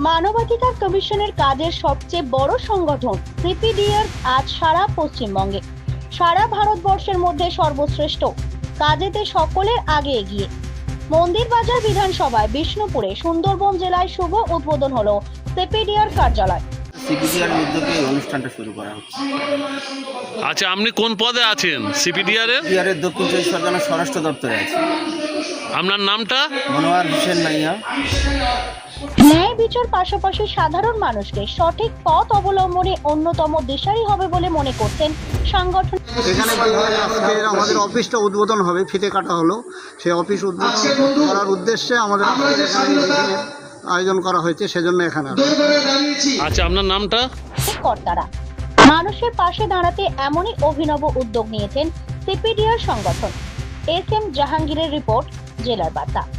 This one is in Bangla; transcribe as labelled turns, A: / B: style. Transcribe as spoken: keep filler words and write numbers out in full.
A: মানবাধিকার কমিশনের কাজের সবচেয়ে বড় সংগঠন সিপিডিআর আজ সারা পশ্চিমবঙ্গে, সারা ভারতবর্ষের মধ্যে সর্বশ্রেষ্ঠ কাজেতে সকলের আগে এগিয়ে। মন্দির বাজার বিধানসভায় বিষ্ণুপুরে সুন্দরবন জেলায় শুভ উদ্বোধন হলো সিপিডিআর কার্যালয়।
B: সিপিডিআর উদ্যোগে এই অনুষ্ঠানটা শুরু করা হচ্ছে।
C: আচ্ছা, আপনি কোন পদে আছেন সিপিডিআর এর?
B: সিপিডিআর এর দক্ষিণ চব্বিশ পরগনা স্বরাষ্ট্র দপ্তরে আছে।
C: আপনার নামটা?
B: মনোয়ার হোসেন নাইয়া।
A: ন্যায় বিচার পাশাপাশি সাধারণ মানুষকে সঠিক পথ অবলম্বনে অন্যতম দিশারি হবে বলে মনে করতেন সংগঠন।
D: এখানে আজকে আমাদের অফিসটা উদ্বোধন হবে, ফিতে কাটা হলো, সেই অফিস উদ্বোধন করার উদ্দেশ্যে আমাদের আয়োজন করা হয়েছে, সেজন্য এখানে।
C: আচ্ছা, আপনার নামটা?
A: কর্তারা মানুষের পাশে দাঁড়াতে এমনই অভিনব উদ্যোগ নিয়েছেন সিপিডিআর সংগঠন। এস এম জাহাঙ্গীরের রিপোর্ট, জেলার বার্তা।